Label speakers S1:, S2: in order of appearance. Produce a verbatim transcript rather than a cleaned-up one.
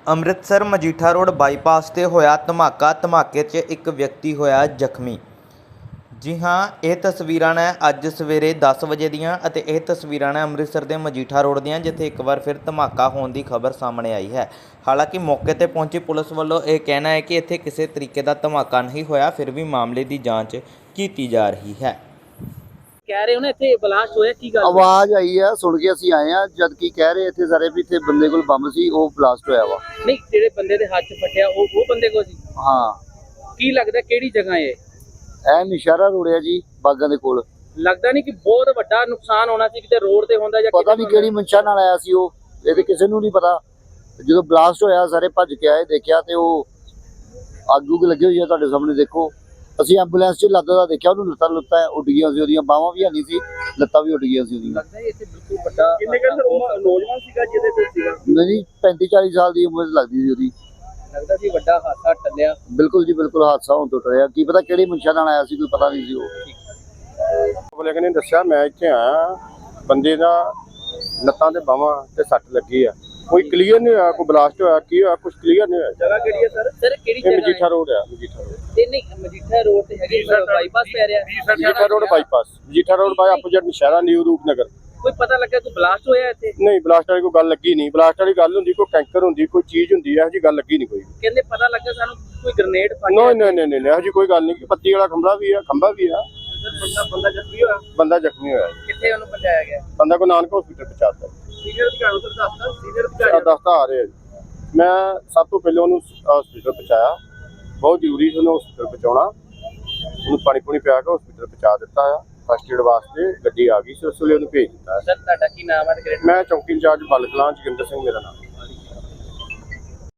S1: Amritsar Majitha road bypass 'ਤੇ ਹੋਇਆ ਧਮਾਕਾ। ਧਮਾਕੇ 'ਚ ਇੱਕ ਵਿਅਕਤੀ ਹੋਇਆ ਜ਼ਖਮੀ। ਜੀ ਹਾਂ, ਇਹ ਤਸਵੀਰਾਂ ਨੇ ਅੱਜ ਸਵੇਰੇ ਦਸ ਵਜੇ ਦੀਆਂ ਅਤੇ ਇਹ ਤਸਵੀਰਾਂ ਨੇ ਅੰਮ੍ਰਿਤਸਰ ਦੇ ਮਜੀਠਾ ਰੋਡ ਦੀਆਂ, ਜਿੱਥੇ ਇੱਕ ਵਾਰ ਫਿਰ ਧਮਾਕਾ ਹੋਣ ਦੀ ਖਬਰ ਸਾਹਮਣੇ ਆਈ ਹੈ। ਹਾਲਾਂਕਿ ਮੌਕੇ 'ਤੇ ਪਹੁੰਚੀ ਪੁਲਿਸ ਵੱਲੋਂ ਇਹ ਕਹਿਣਾ ਹੈ ਕਿ ਇੱਥੇ ਕਿਸੇ ਤਰੀਕੇ ਦਾ ਧਮਾਕਾ ਨਹੀਂ ਹੋਇਆ, ਫਿਰ ਵੀ ਮਾਮਲੇ ਦੀ ਜਾਂਚ ਕੀਤੀ ਜਾ ਰਹੀ ਹੈ।
S2: कह रहे हो ना इतने ब्लास्ट होया की गल
S3: आवाज आई है, सुन के ਅਸੀਂ ਆਏ ਆ। ਜਦ ਕੀ ਕਹਿ ਰਹੇ ਇੱਥੇ ਸਾਰੇ ਵੀ ਇੱਥੇ ਬੰਦੇ ਕੋਲ ਬੰਬ ਸੀ, ਉਹ ਬਲਾਸਟ ਹੋਇਆ ਵਾ।
S2: नहीं ਜਿਹੜੇ ਬੰਦੇ ਦੇ ਹੱਥ 'ਚ ਫਟਿਆ ਉਹ ਉਹ ਬੰਦੇ ਕੋ ਸੀ?
S3: ਹਾਂ,
S2: ਕੀ ਲੱਗਦਾ ਕਿਹੜੀ ਜਗ੍ਹਾ ਹੈ?
S3: ਐ ਨਿਸ਼ਾਰਾ ਰੋੜਿਆ ਜੀ ਬਾਗਾਂ ਦੇ ਕੋਲ।
S2: ਲੱਗਦਾ ਨਹੀਂ ਕਿ ਬਹੁਤ ਵੱਡਾ ਨੁਕਸਾਨ ਹੋਣਾ ਸੀ, ਕਿਤੇ ਰੋਡ ਤੇ ਹੁੰਦਾ ਜਾਂ
S3: ਪਤਾ ਨਹੀਂ ਕਿਹੜੀ ਮਨਸ਼ਾ ਨਾਲ ਆਇਆ ਸੀ ਉਹ, ਇਹ ਤੇ ਕਿਸੇ ਨੂੰ ਨਹੀਂ ਪਤਾ। ਜਦੋਂ ਬਲਾਸਟ ਹੋਇਆ ਸਾਰੇ ਭੱਜ ਕੇ ਆਏ, ਦੇਖਿਆ ਤੇ ਉਹ ਅੱਗ ਉੱਗ ਲੱਗੀ ਹੋਈ ਆ ਤੁਹਾਡੇ ਸਾਹਮਣੇ ਦੇਖੋ। ਅਸੀਂ ਐਂਬੂਲੈਂਸ 'ਚ ਲੱਦਦਾ ਦਾ ਦੇਖਿਆ, ਉਹਨੂੰ ਲੱਤਾਂ ਲੁੱਤਾਂ ਉੱਡ ਗਈਆਂ ਸੀ, ਉਹਦੀਆਂ ਬਾਹਾਂ ਵੀ ਨਹੀਂ ਸੀ, ਲੱਤਾਂ ਵੀ ਉੱਡ ਗਈਆਂ ਸੀ ਉਹਦੀਆਂ।
S2: ਲੱਗਦਾ ਇੱਥੇ ਬਿਲਕੁਲ ਵੱਡਾ ਕਿੰਨੇ ਕੁ ਨੌਜਵਾਨ ਸੀਗਾ ਜਿਹਦੇ ਤੇ ਸੀਗਾ?
S3: ਨਹੀਂ, ਪੈਂਤੀ ਚਾਲੀ ਸਾਲ ਦੀ ਉਮਰ ਲੱਗਦੀ ਸੀ ਉਹਦੀ।
S2: ਲੱਗਦਾ ਸੀ ਵੱਡਾ ਹਾਦਸਾ ਟੱਲਿਆ।
S3: ਬਿਲਕੁਲ ਜੀ ਬਿਲਕੁਲ, ਹਾਦਸਾ ਹੋਣ ਤੋਂ ਟਲਿਆ। ਕੀ ਪਤਾ ਕਿਹੜੀ ਮਨਸ਼ਾ ਨਾਲ ਆਇਆ ਸੀ, ਕੋਈ ਪਤਾ ਨਹੀਂ ਸੀ ਉਹ।
S4: ਬੋਲੇ ਨੇ ਦੱਸਿਆ ਮੈਂ ਇੱਥੇ ਆਇਆ, ਬੰਦੇ ਦਾ ਲੱਤਾਂ ਤੇ ਬਾਹਾਂ ਤੇ ਸੱਟ ਲੱਗੀ ਆ, ਕੋਈ ਕਲੀਅਰ ਨਹੀਂ ਹੋਇਆ ਕੋਈ ਬਲਾਸਟ ਹੋਇਆ ਕੀ ਹੋਇਆ, ਕੁਝ ਕਲੀਅਰ ਨਹੀਂ ਹੋਇਆ।
S2: ਜਗ੍ਹਾ ਕਿਹੜੀ ਹੈ ਸਰ? ਸਰ ਕਿਹੜੀ
S4: ਇਹ
S2: ਜਗ੍ਹਾ
S4: ਮਜੀਠਾ ਰੋਡ ਆ, ਮਜੀਠਾ ਰੋਡ
S2: ਤੇ ਨਹੀਂ ਮਜੀਠਾ ਰੋਡ ਤੇ ਹੈਗੇ ਬਾਈਪਾਸ ਪੈ ਰਿਹਾ।
S4: Majitha road bypass, Majitha road by opposite Naushera New Roopnagar.
S2: ਕੋਈ ਪਤਾ ਲੱਗਾ ਕੋਈ ਬਲਾਸਟ ਹੋਇਆ ਇੱਥੇ?
S4: ਨਹੀਂ, ਬਲਾਸਟ ਵਾਲੀ ਕੋਈ ਗੱਲ ਲੱਗੀ ਨਹੀਂ। ਬਲਾਸਟ ਵਾਲੀ ਗੱਲ ਹੁੰਦੀ ਕੋਈ ਟੈਂਕਰ ਹੁੰਦੀ, ਕੋਈ ਚੀਜ਼ ਹੁੰਦੀ, ਇਹੋ ਜਿਹੀ ਗੱਲ ਲੱਗੀ ਨਹੀਂ ਕੋਈ।
S2: ਕਹਿੰਦੇ ਪਤਾ ਲੱਗਾ ਸਾਨੂੰ ਕੋਈ ਗ੍ਰੇਨੇਡ ਫਟਿਆ।
S4: ਨਹੀਂ ਨਹੀਂ ਨਹੀਂ ਨਹੀਂ, ਇਹੋ ਜਿਹੀ ਕੋਈ ਗੱਲ ਨਹੀਂ। ਕਿ ਪੱਤੀ ਵਾਲਾ ਖੰਭਾ ਵੀ ਆ, ਖੰਭਾ ਵੀ ਆ।
S2: ਬੰਦਾ ਬੰਦਾ ਜ਼ਖਮੀ ਹੋਇਆ?
S4: ਬੰਦਾ ਜ਼ਖਮੀ ਹੋਇਆ।
S2: ਕਿੱਥੇ ਉਹਨੂੰ ਪਹੁੰਚਾਇਆ ਗਿਆ?
S4: ਬੰਦਾ ਕੋ ਨਾਨਕ ਹਸਪੀਟਲ ਪਹੁੰਚਾਤਾ।
S2: ਸੀਨੀਅਰ ਅਧਿਕਾਰੀ ਉਧਰ ਦੱਸਦਾ ਸੀਨੀਅਰ
S4: ਆ
S2: ਅਧਿਕਾਰੀ
S4: ਦਸਤਾ ਆ ਰਹੇ ਆ ਜੀ। ਮੈਂ ਸਭ ਤੋਂ ਪਹਿਲਾਂ ਉਹਨੂੰ ਹਸਪੀਟਲ ਪਹੁੰਚਾਇਆ, ਬਹੁਤ ਜ਼ਰੂਰੀ ਸੀ ਉਹਨੂੰ ਹਸਪੀਟਲ ਪਹੁੰਚਾਉਣਾ। ਉਹਨੂੰ ਪਾਣੀ ਪੂਣੀ ਪਿਆ ਕੇ ਹਸਪੀਟਲ ਪਹੁੰਚਾ ਦਿੱਤਾ ਆ। ਫਸਟ ਏਡ ਵਾਸਤੇ ਗੱਡੀ ਆ ਗਈ ਸੀ, ਉਸ ਵੇਲੇ ਉਹਨੂੰ ਭੇਜ ਦਿੱਤਾ।
S2: ਸਰ ਤੁਹਾਡਾ ਕੀ ਨਾਮ ਹੈ?
S4: ਮੈਂ ਚੌਂਕੀ ਇੰਚਾਰਜ ਬਲ ਕਲਾਂ ਜੋਗਿੰਦਰ ਸਿੰਘ ਮੇਰਾ ਨਾਮ।